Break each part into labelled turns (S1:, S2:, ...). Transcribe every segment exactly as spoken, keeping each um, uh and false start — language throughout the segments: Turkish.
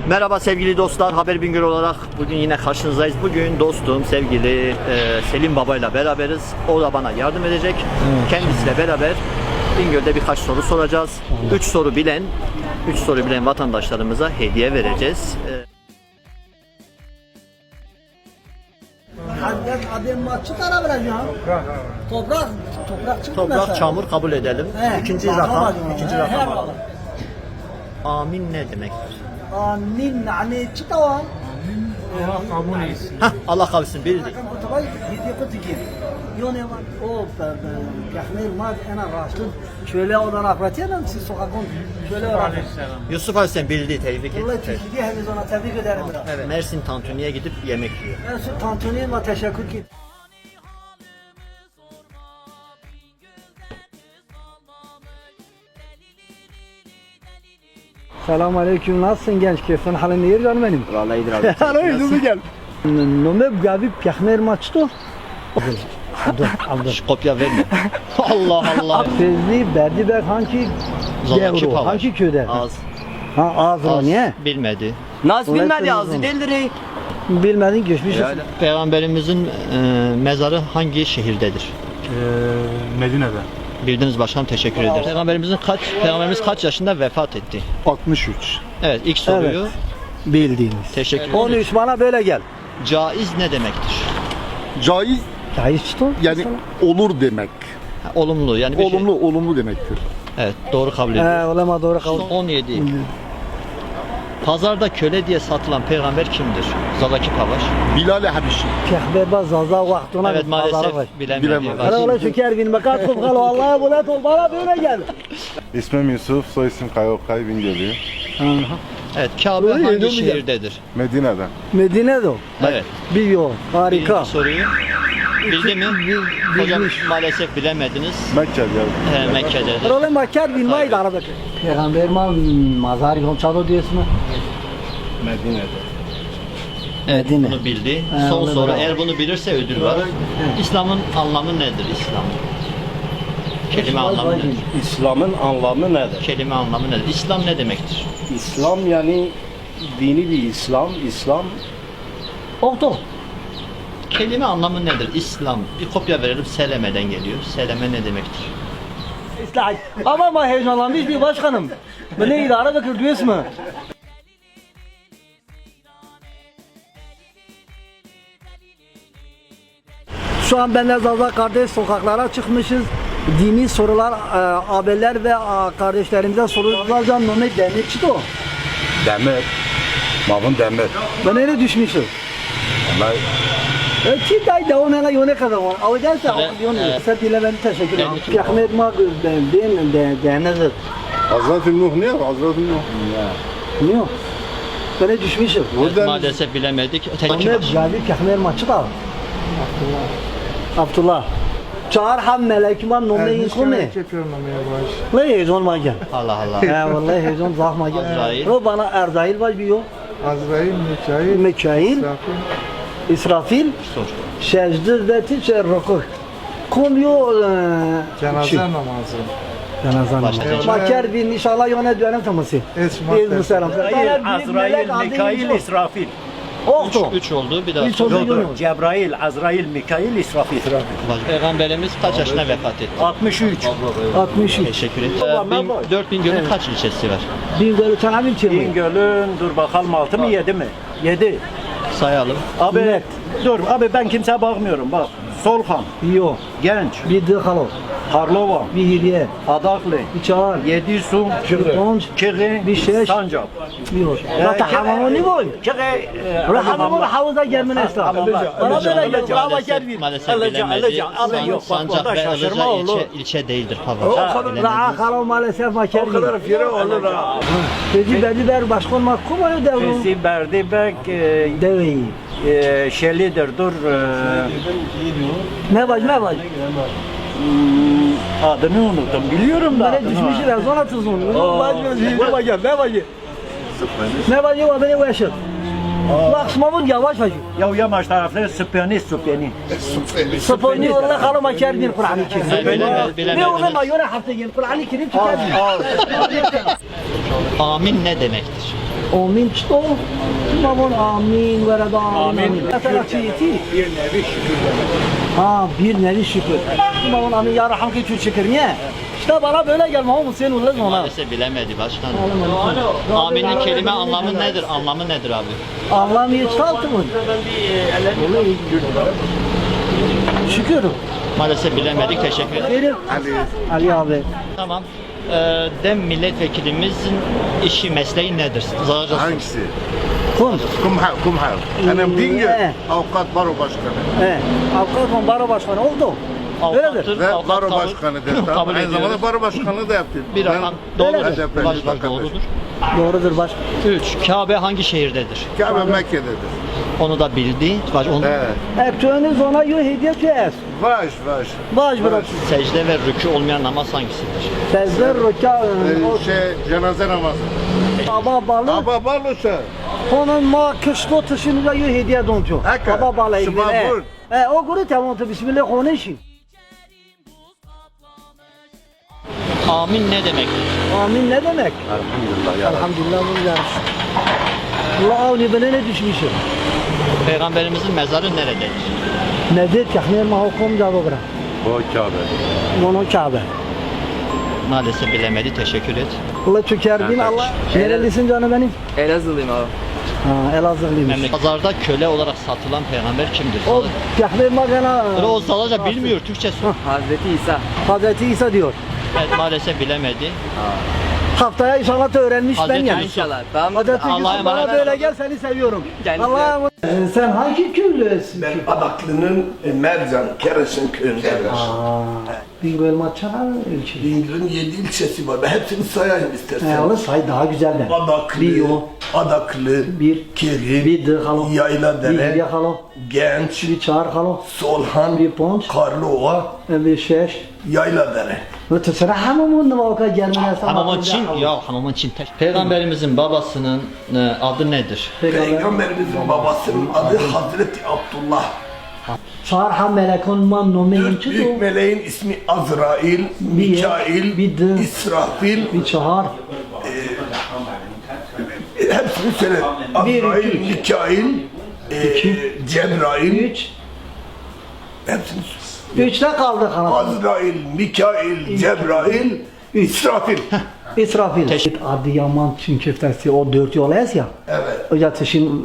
S1: Merhaba sevgili dostlar, Haber Bingöl olarak bugün yine karşınızdayız. Bugün dostum, sevgili e, Selim Baba ile beraberiz. O da bana yardım edecek. Evet. Kendisiyle beraber Bingöl'de birkaç soru soracağız. Evet. Üç soru bilen, üç soru bilen vatandaşlarımıza hediye vereceğiz. E,
S2: Toprak, toprak çıktı
S1: Toprak,
S2: mesela.
S1: çamur kabul edelim.
S2: He,
S1: İkinci
S2: bakalım
S1: rakam,
S2: hadi.
S1: ikinci
S2: He,
S1: rakam
S2: he,
S1: alalım. Amin ne demektir?
S2: Amin, yani çıktı o an.
S3: Allah kabul etsin.
S1: Hah, Allah kabul etsin, bildik.
S2: Tabii, yedi kutu gibi. Yone var, o kahmir mad, ana raştın. Şöyle odan akratiyelim, siz sokakın şöyle var.
S1: Yusuf Aleyhisselam bildi, tebrik
S2: Vallahi
S1: et.
S2: teşekkür ederiz ona, tebrik ederim.
S1: Evet. Mersin Tantuni'ye gidip yemek yiyor.
S2: Ben şu tantuniyeme teşekkür ki. Selamun aleyküm, nasılsın genç? Keyfin halin iyi canım benim?
S1: Vallahi iyidir abi.
S2: Alo, yüzümü gel. Nome gabi piyahmer maçto.
S1: Şş, kopya verme. Allah Allah.
S2: Fezli berdi bek hangi
S1: Zalaki
S2: devro,
S1: Pavaş.
S2: hangi köyde?
S1: Az.
S2: Ha ağzı
S1: Az.
S2: niye?
S1: Bilmedi.
S4: Nasıl
S2: Ulan
S4: bilmedi
S2: sen
S4: ağzı
S2: uzun.
S4: delirir.
S2: Bilmedin geçmiş.
S1: Yani Peygamberimizin e, mezarı hangi şehirdedir?
S3: Ee, Medine'de.
S1: Bildiniz başkanım, teşekkür ederim. Peygamberimizin kaç Peygamberimiz kaç yaşında vefat etti?
S3: altmış üç.
S1: Evet, ilk soruyu
S2: Evet. Bildiğiniz.
S1: teşekkür ederim.
S2: on üç bana böyle gel.
S1: Caiz ne demektir?
S5: Caiz
S2: Caiz çıktı.
S5: yani olur demek.
S1: Ha, olumlu yani bir
S5: Olumlu olumlu demektir.
S1: Şey. Evet, doğru kabul ediyorum.
S2: He, olama doğru kaldı.
S1: on yedi. Pazarda köle diye satılan peygamber kimdir? Zalaki Pavaş.
S5: Bilal-i Habeşi.
S2: Piyahber baz zaza vaktuna
S1: Evet, maalesef bilemedi.
S5: Bilemedi.
S2: Hala ola şeker bin bakat kum kalı Allah'a bulat ol bana böyle gel.
S6: İsmim Yusuf, soy isim Kayokay Bingöl'ü.
S1: Evet, Kabe
S2: Öyle
S1: hangi
S2: yedim ya.
S1: şehirdedir?
S6: Medine'de.
S2: Medine'de o.
S1: Evet.
S2: Biliyor. Harika.
S1: Birinci soruyu bildi mi?
S2: Bil-
S1: Hocam
S2: bilmiş.
S1: maalesef bilemediniz.
S6: Mekke'de.
S1: He, Mekke'dedir.
S2: Role makyar bilmeyi de arada. Peygamber ma mazar yon çado diyorsun.
S6: Medine'de.
S1: Evet,
S2: Medine.
S1: bunu bildi.
S2: He,
S1: Son
S2: onu
S1: soru,
S2: bravo.
S1: eğer bunu bilirse ödül var. İslam'ın anlamı nedir İslam? Kelime anlamı nedir?
S7: İslam'ın anlamı nedir?
S1: Kelime anlamı nedir? İslam ne demektir?
S7: İslam yani dini bir İslam. İslam
S2: Okto.
S1: Kelime anlamı nedir? İslam. Bir kopya verelim. Seleme'den geliyor. Seleme ne demektir?
S2: İslah. Ama ama heyecanlanmış bir başkanım. Bu ne idare bakır diyorsun mu? Şu an benle Zaza kardeş sokaklara çıkmışız. Dini sorular, e, abiler ve a, kardeşlerimize sorulacağım. Mehmet Demir çıktı o.
S6: Demir. Mavun demir.
S2: Ben öyle düşmüşüm.
S6: Vallahi
S2: E, Ki day devam ela yone kadar var. Ama derse
S1: Evet,
S2: yone.
S1: evet.
S2: Sen dilemeni teşekkür ederim.
S1: Ben de çok-
S2: Peygamber ma değil mi? De denizdir.
S6: Hazreti Nuh ne? Hazreti Nuh.
S2: Niye? Ben öyle düşmüşüm.
S1: Evet, maalesef bilemedik. Tek
S2: Mehmet Gavi Peygamber maçı da. Abdullah. Çağır ham melekman nomle inkun ne? Ne heyecan ma gel.
S1: Allah Allah.
S2: He vallahi heyecan zahma gel.
S1: Azrail.
S2: O bana Erzail var bir yok.
S3: Azrail, Mikail,
S2: Mikail,
S3: Safin.
S2: İsrafil,
S1: Sor.
S2: Şecdir ve Tiçer Rokuk. Kom yo
S3: Cenaze namazı.
S2: Cenaze
S1: Başla.
S2: namazı. Maker bin inşallah yöne dönem taması.
S3: Esma
S2: Bir muselam.
S7: Azrail, Mikail, İsrafil.
S2: Oldu.
S1: Üç, üç oldu. Bir daha
S2: Üç
S1: sor.
S2: oldu. Yok.
S7: Cebrail, Azrail, Mikail, İsrafil.
S1: Peygamberimiz kaç yaşında vefat etti?
S7: altmış üç.
S2: altmış üç.
S1: Teşekkür ederim. dört bin Göl'ün kaç ilçesi var?
S2: Bin böyle tanabim çevirmeyin.
S7: Bingöl'ün dur bakalım altı mı yedi mi? yedi.
S1: Sayalım.
S7: Abi
S2: Net.
S7: dur abi ben kimseye bakmıyorum bak. Solhan,
S2: Yok.
S7: Genç,
S2: Bir dıkalo.
S7: Karlova,
S2: Bir hediye.
S7: Adaklı,
S2: Bir çağır.
S7: Yedisu,
S2: Konç.
S7: Kırı,
S2: Bir şeş.
S7: Sancak.
S2: Yok. Zaten hamamı ne boy?
S7: Kırı,
S2: Ulan hamamı havuza gelmene esnaf. Bana böyle gel. Bravo
S1: Maalesef,
S2: gel.
S1: maalesef
S7: Alıcı,
S1: bilemedi.
S7: alıcı. Abi
S1: San-
S7: yok, bak
S1: Sancak
S7: burada
S1: ve
S7: şaşırma
S1: Ilıca
S7: olur.
S1: ilçe, ilçe değildir.
S2: O
S1: Pavaz.
S2: kadar la kalo maalesef maker. O kadar
S7: fire olur ha.
S2: Peki belli der başkan mahkum mu devru?
S7: Fesi Berdibek e,
S2: Deveyi.
S7: e, Şelidir dur e,
S2: Ne var ne var?
S7: adını unuttum biliyorum da
S2: Bana
S7: adını.
S2: düşmüş ya zona tuzun. Ne var ne var ne var? Ne var ya beni yaşır. Bak smavun yavaş yavaş.
S7: Ya yamaç tarafları Süpyani Süpyani.
S2: Sponi orada kalo maker bir Kur'an-ı Kerim.
S1: Bilemediniz.
S2: Ne orada mayora hafta gel Kur'an-ı Kerim çıkar.
S1: Amin ne demektir?
S2: Amin çto. Babon amin ve reda amin. Mesela çiğiti.
S7: Bir nevi şükür demek.
S2: Ha bir nevi şükür. Babon amin ya raham ki çok şükür niye? İşte bana böyle gelme oğlum sen ulan ona.
S1: Maalesef bilemedi başkanım. Amin'in kelime anlamı nedir? Anlamı nedir abi?
S2: Allah'ım hiç kalktı mı? Şükür.
S1: Maalesef bilemedik. Teşekkür ederim.
S2: Verir.
S6: Ali.
S2: Ali abi.
S1: Tamam. Ee, dem milletvekilimizin işi mesleği nedir? Zaten
S6: Hangisi?
S2: Kum.
S6: Kumhal, kumhal. Benim Bingöl
S2: Ne?
S6: avukat baro başkanı.
S2: He. Avukat konbaro başkanı oldu. Öyledir.
S6: Ve
S1: Avukat
S6: baro
S1: kabul-
S6: başkanıdır.
S1: kabul
S6: Tamam. Aynı
S1: ediyoruz.
S6: zamanda baro başkanlığı da yaptım.
S1: Bir
S6: Ben
S1: rakam doğrudur.
S6: H D P'li
S1: Baş, baş,
S6: vatandaşım.
S1: doğrudur.
S2: Doğrudur baş.
S1: Üç. Kabe hangi şehirdedir?
S6: Kabe Mekke'dedir.
S1: Onu da bildi. Baş, onu
S6: Evet.
S2: Ertuğrul'un ona yo hediye kes.
S6: Vaş vaş.
S2: Baş bırak.
S1: secde ve rükû olmayan namaz hangisidir?
S2: Sezler roka.
S6: Ee, şey cenaze namazı.
S2: Baba balı.
S6: Aba baluşa.
S2: Onun ma kışko tışını yo hediye dontu.
S6: Haka.
S2: Baba balı.
S6: Şıma vur.
S2: E o guru tamam tu bismillah konuşun.
S1: Amin ne demektir?
S2: Amin ne demek?
S6: Elhamdülillah ya.
S2: Elhamdülillah bunu yarış. Allah avni bana ne düşmüşüm.
S1: Peygamberimizin mezarı nerededir?
S2: Nedir kahmer ma hukum cevabı bırak.
S6: O Kabe.
S2: Mono Kabe.
S1: Maalesef bilemedi. Teşekkür et.
S2: Allah çökerdin Allah. Nerelisin canım benim?
S4: Elazığlıyım abi.
S2: Ha Elazığlıymış.
S1: Memleket. Pazarda köle olarak satılan peygamber kimdir?
S2: O kahmer ma gana.
S1: O salaca bilmiyor. Türkçe sor.
S4: Hazreti İsa.
S2: Hazreti İsa diyor.
S1: Evet, maalesef bilemedi.
S2: Haftaya inşallah öğrenmiş ben
S1: Hazreti
S2: yani.
S4: İnşallah. Tamam.
S2: Hazreti
S1: Allah'a
S2: Yusuf bana
S1: emanet.
S2: böyle gel seni seviyorum.
S4: Kendisi-
S2: Allah'a emanet. Ee, sen hangi köylüsün?
S8: Ben Adaklı'nın e, Mercan, Keres'in köyündenim.
S2: Bingöl Maçana ilçesi.
S8: Bingöl'ün yedi ilçesi var. Ben hepsini sayayım istersen.
S2: He onu say daha güzel de.
S8: Adaklı,
S2: Bir o.
S8: Adaklı,
S2: Bir.
S8: Kerim,
S2: Bir de halo. Bir
S8: Yayladere,
S2: bir halo.
S8: Genç,
S2: Bir çağır halo.
S8: Solhan,
S2: Bir ponç.
S8: Karlıova,
S2: Bir şeş.
S8: Yayladere.
S2: Ve tısıra hamamın da vaka gelmene sana.
S1: Hamamın Çin, ya hamamın Çin. Peygamberimizin babasının e, adı nedir?
S8: Peygamberimizin babasının adı Hazreti Abdullah.
S2: Çağır ham melekon man nomeyin
S8: Dört
S2: çıdı.
S8: büyük meleğin ismi Azrail, Mikail,
S2: bir de-
S8: İsrafil.
S2: Bir çağır.
S8: Hepsini söyle.
S2: Bir,
S8: Azrail,
S2: iki.
S8: Mikail, e, Cebrail.
S2: Üç.
S8: Hepsini
S2: Üçte kaldı kanat.
S8: Azrail, Mikail, Cebrail, İsrafil.
S2: İsrafil. Adı Yaman Çin köftesi o dört yol es ya.
S8: Evet.
S2: O yatışın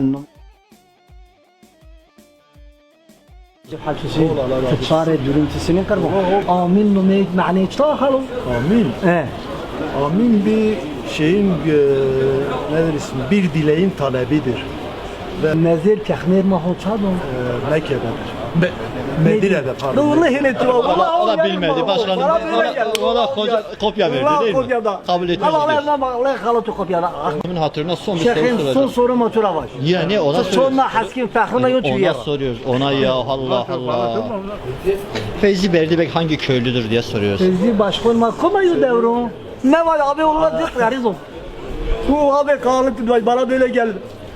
S2: حالتي تتصار دورنتسini karbo. Amin numek mani çtahalu.
S3: Amin.
S2: He.
S3: Amin bir şeyin e, nedir ismi? Bir dileğin talebidir.
S2: Nezir kahmer mahul çadon.
S3: E, Mekke'dedir. Me Medine'de pardon.
S2: Vallahi ne tu.
S1: O da, o da bilmedi başkanım. O da, o da koca, kopya verdi değil mi? Kabul etmez.
S2: Allah Allah Allah halatı kopyada.
S1: Kimin hatırına son bir soru
S2: Şeyhin son
S1: soracağım.
S2: soru motora var.
S1: Yani ona soruyoruz.
S2: Sonra haskin fahrına yok
S1: Ona
S2: ya.
S1: soruyoruz. Ona ya Allah Allah. Feyzi Berdibek hangi köylüdür diye soruyoruz.
S2: Sizi başkan makoma yu devro. Ne var abi Allah dik yarizom. Bu abi kalıp bana böyle geldi.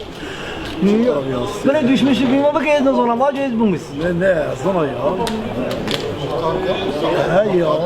S2: Böyle düşmüştük bir bak ezden sonra var ez bulmuş.
S3: Ne ne sana ya? He ya.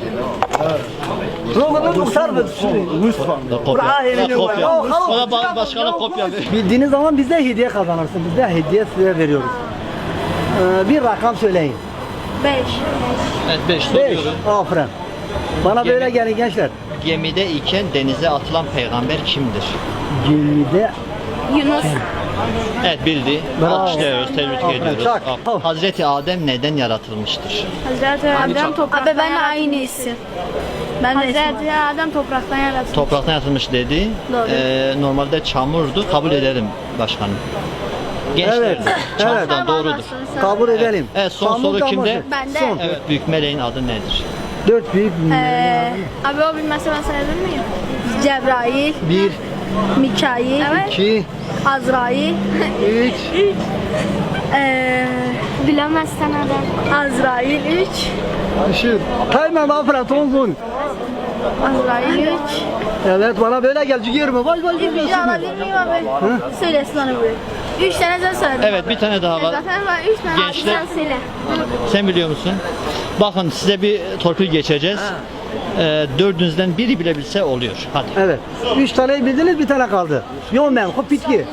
S2: Romanın muhtar bir sürü.
S3: Lütfen.
S1: Kopya.
S2: Bravo.
S1: Kopya.
S2: Oh, halos.
S1: Ona ba- başkana kopya ver.
S2: Bildiğiniz zaman bizde hediye kazanırsın. Bizde hediye size veriyoruz. Ee, bir rakam söyleyin.
S9: Beş.
S1: Evet beş
S2: Beş.
S1: soruyorum.
S2: Aferin. Bana
S1: Yemin-
S2: böyle gelin gençler.
S1: Gemide iken denize atılan peygamber kimdir?
S2: Gemide
S9: Yunus.
S1: Evet bildi.
S2: Bravo.
S1: Alkışlıyoruz, tebrik
S2: Aferin,
S1: ediyoruz.
S2: çak.
S1: Aferin. Hazreti Adem neden yaratılmıştır?
S9: Hazreti Adem topraktan Abi ben aynı isim. Ben de Hazreti Adem topraktan yaratılmış.
S1: Topraktan yaratılmış dedi.
S9: Doğru.
S1: Ee, normalde çamurdu. Kabul ederim başkanım. Gençler
S2: Evet,
S1: çamurdan
S9: evet.
S1: doğrudur.
S2: kabul edelim.
S1: Evet, son
S2: Çamur
S1: soru
S2: çamur.
S1: kimde?
S9: Ben de.
S2: Son.
S1: Evet büyük meleğin adı nedir?
S2: Dört büyük
S9: Ee, abi o bilmezse ben sayabilir miyim? Cebrail,
S2: bir,
S9: Mikail,
S2: iki,
S9: Azrail,
S2: üç,
S9: ee, bilemezsen adam. Azrail üç,
S2: aşır. Hemen aferin tonzun.
S9: Azrail üç.
S2: Evet bana böyle gel girme. Baş baş
S9: Bir şey alabilir miyim abi? Söylesin onu böyle. Üç tane sen söyledin.
S1: Evet bir tane daha var.
S9: Zaten var üç tane.
S1: Gençler-
S9: Abi sen söyle.
S1: Sen biliyor musun? Bakın size bir torpil geçeceğiz. e, dördünüzden biri bilebilse oluyor. Hadi.
S2: Evet. Üç taneyi bildiniz, bir tane kaldı. Yomen, hop bitki.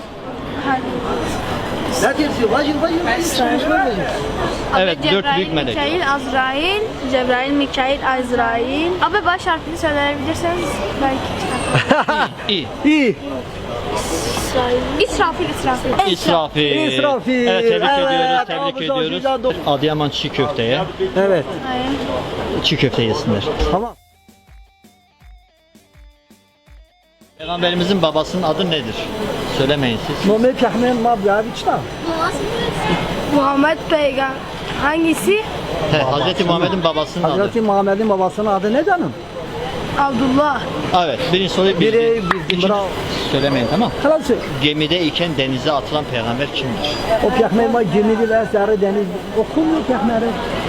S2: Ne diyorsun? Vacil, vacil, vacil.
S1: Evet,
S9: Abi,
S1: dört
S9: Cebrail,
S1: büyük melek.
S9: Mikail, Azrail, Cebrail, Mikail, Azrail. Abi baş harfini söyleyebilirseniz belki çıkar.
S1: İyi.
S2: İyi.
S9: İsrafil, İsrafil.
S1: İsrafil.
S2: İsrafil.
S1: Evet, tebrik
S2: Evet,
S1: ediyoruz, tebrik
S2: alkış,
S1: ediyoruz.
S2: alkış, alkış.
S1: Adıyaman çiğ köfteye.
S2: Evet.
S9: Hayır.
S1: Çiğ köfte yesinler.
S2: Tamam.
S1: Peygamberimizin babasının adı nedir? Söylemeyin siz.
S2: Nome Kahmen Mabyaviç'ta.
S9: Muhammed Peygamber. Hangisi?
S1: He, Hazreti Muhammed'in babasının adı.
S2: Hazreti Muhammed'in babasının adı ne canım?
S9: Abdullah.
S1: Evet, birinci soruyu bildi.
S2: Biri bildi,
S1: İkinci-
S2: bravo.
S1: Söylemeyin, tamam.
S2: Kral söyle.
S1: Gemide iken denize atılan peygamber kimdir?
S2: O Kahmen ma gemidi ve sarı deniz. Okumuyor Kahmen'i.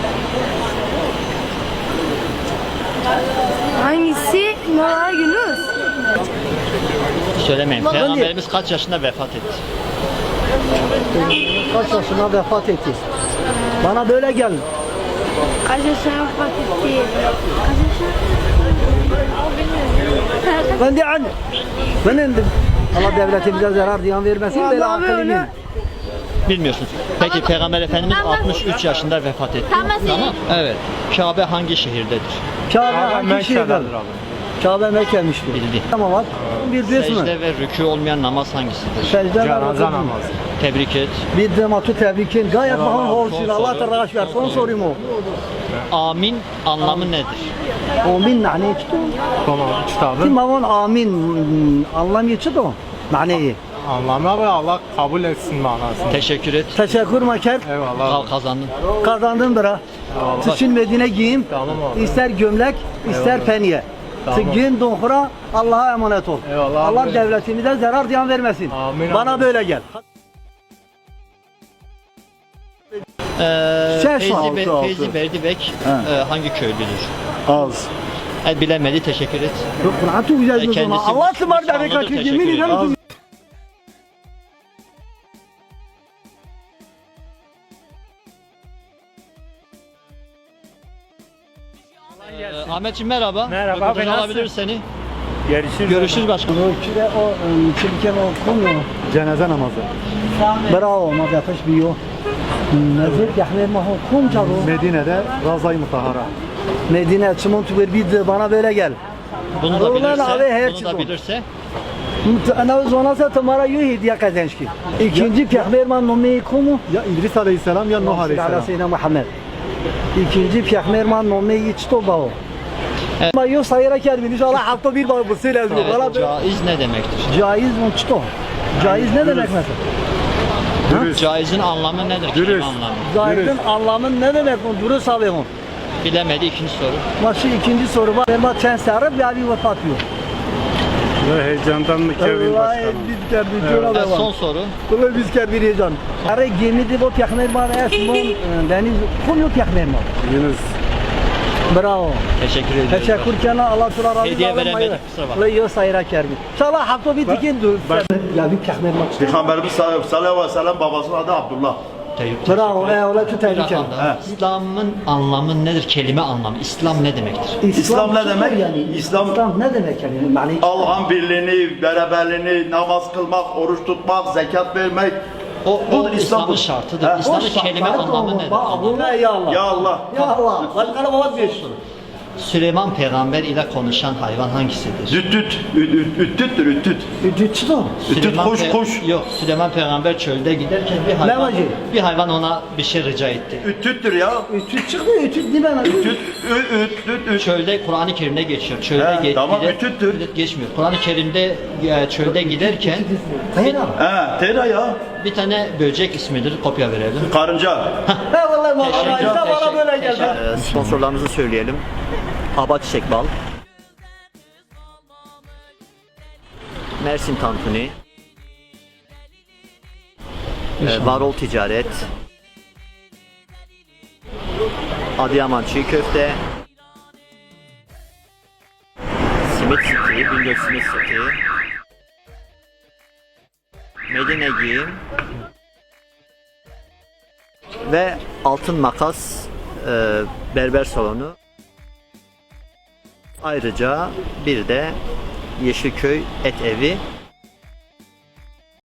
S9: Hangisi? Noah Yunus.
S1: Söylemeyin.
S2: Ulan,
S1: Peygamberimiz kaç yaşında vefat etti?
S2: Kaç yaşına vefat etti? Bana böyle gel.
S9: Kaç yaşına vefat etti? Kaç yaşına?
S2: Ben de anne. Ben indim. Allah devletimize zarar ziyan vermesin. Böyle
S9: Vallahi
S2: akıllı
S9: öyle.
S2: mıyım?
S1: Bilmiyorsunuz. Peki Peygamber Efendimiz altmış üç yaşında vefat etti. Tamam. Evet. Kabe hangi şehirdedir?
S2: Kabe hangi şehirden? Kabe Mekke'miştir.
S1: Bildi.
S2: Tamam bak. Bildiniz mi?
S1: Secde ve rükû olmayan namaz hangisidir?
S2: Secde Cenaze namazı.
S1: Tebrik et.
S2: Bir de matu tebrikin. Gayet mahal olsun.
S1: son
S2: Allah
S1: soru.
S2: taraş ver. Son sorayım o.
S1: Amin anlamı nedir?
S2: Amin nane çıktı.
S4: Tamam, kitabı.
S2: Kim avon amin anlam çıktı o. Maneyi.
S4: Anlamı abi Allah kabul etsin manasını.
S1: Teşekkür et.
S2: Teşekkür maker.
S4: Eyvallah.
S1: Al kazandın.
S2: Kazandın bira. Tüçün Medine giyim.
S4: Tamam abi.
S2: İster gömlek, ister penye.
S4: Tamam.
S2: Gün donhura Allah'a emanet ol.
S4: Eyvallah
S2: Allah
S4: abi.
S2: devletimize zarar ziyan vermesin.
S4: Amin
S2: Bana
S4: abi.
S2: böyle gel.
S1: Ee,
S2: Şey
S1: Feyzi,
S2: altı,
S1: Be-
S2: altı.
S1: Feyzi Berdibek e, hangi köylüdür?
S3: Az.
S1: E, bilemedi. Teşekkür et.
S2: Yok Kur'an çok güzel bir
S1: Kendisi
S2: Allah
S1: Müslüman,
S2: ısmarladı demek
S1: Müslümandır,
S2: ki yemin
S1: teşekkür
S2: ederim.
S1: Ee, Ahmetciğim merhaba.
S4: Merhaba,
S1: Röportaj
S4: abi, nasılsın?
S1: alabilir seni.
S4: Görüşürüz.
S1: Görüşürüz başkanım.
S2: O kire o çirkin o konu.
S3: Cenaze namazı.
S2: Bravo ma yapış biyo. Nezir yahmer ma ho kum çabo.
S3: Medine'de Razay Mutahara.
S2: Medine çimon tu bir de bana böyle gel.
S1: Bunu da
S2: Ulan
S1: bilirse,
S2: abi, her
S1: bunu
S2: şey
S1: da
S2: bu.
S1: bilirse
S2: Ana zona sa tamara yu hediye kazançki. İkinci peygamber nomi komu?
S3: Ya İdris Aleyhisselam ya Nuh
S2: Ala
S3: Aleyhisselam.
S2: Seyyidina Muhammed. İkinci peygamber nomi içto bao.
S1: Evet.
S2: Ma yo sayıra kelbi inşallah hafta bir bao bu sene
S1: evet,
S2: bana böyle.
S1: caiz ne demektir?
S2: Caiz mi çto? Caiz ne demek mesela?
S1: Caizin anlamı nedir? Kelime anlamı.
S2: Caizin anlamı ne demek bu? Duru salıyorum.
S1: Bilemedi ikinci soru.
S2: Maşı ikinci soru var. Ben çen sarıp ya bir vefat yok.
S4: Heyecandan mı Kevin
S2: Vallahi
S4: Başkanım?
S2: biz kerbi diyor
S1: Evet,
S2: ama.
S1: son soru.
S2: Vallahi biz kerbi heyecan. Ara gemidi bu peygamber var esmon deniz kum yok peygamber var.
S4: Yunus.
S2: Bravo.
S1: Teşekkür ediyorum.
S2: Teşekkür kana Allah Teala razı
S1: Hediye
S2: olsun.
S1: veremedik, kusura bakma.
S2: La yo sayra kerbi. İnşallah hafta bir tikin dur. Ya bir peygamber var.
S6: Peygamberimiz sallallahu aleyhi ve sellem babasının adı Abdullah.
S1: Te-
S2: Bravo. Ey ola tu tebrik ederim.
S1: Rakanda. İslam'ın anlamı nedir? Kelime anlamı. İslam ne demektir?
S6: İslam ne demek?
S2: Yani
S6: İslam-
S2: İslam ne demek yani? Yani
S6: Allah'ın birliğini, beraberliğini, namaz kılmak, oruç tutmak, zekat vermek.
S1: O, o
S6: Budur, İslam
S1: İslam'ın
S6: budur.
S1: şartıdır.
S6: He.
S1: İslam'ın
S2: Boş
S1: kelime
S2: bak,
S1: anlamı nedir?
S2: bak, bu ne ya Allah.
S6: Ya Allah.
S2: Ya Allah. Bak kana baba bir.
S1: Süleyman peygamber ile konuşan hayvan hangisidir?
S6: Düttüt, üttüttür, üttüt.
S2: Ücütsüz o.
S6: Üttüt,
S1: Süleyman
S6: kuş,
S1: pe-
S6: kuş.
S1: Yok, Süleyman peygamber çölde giderken bir hayvan,
S2: Lemacı.
S1: bir hayvan ona bir şey rica etti.
S6: Üttüttür ya.
S2: Ütüt çıkmıyor, ütüt değil mi?
S6: Üttüt, ü- üttüt, üt.
S1: Çölde Kur'an-ı Kerim'de geçiyor. Çölde
S6: He,
S1: ge-
S6: tamam,
S1: gider-
S6: ütüttür.
S1: geçmiyor. Kur'an-ı Kerim'de e, çölde giderken bir,
S2: Hayır
S6: He, tera ya.
S1: bir tane böcek ismidir. Kopya verelim.
S6: Karınca.
S2: He vallahi bana
S1: Teşekkür-
S2: işte bana
S1: teşekkür-
S2: böyle geldi.
S1: teşekkür-
S2: Ee,
S1: Sponsorlarımızı söyleyelim. Aba Çiçek Bal, Mersin Tantuni, e, Varol Ticaret, Adıyaman Çiğ Köfte, Simit City, Bingöl Simit City, Medine Giyim ve Altın Makas e, Berber Salonu. Ayrıca bir de Yeşilköy Et Evi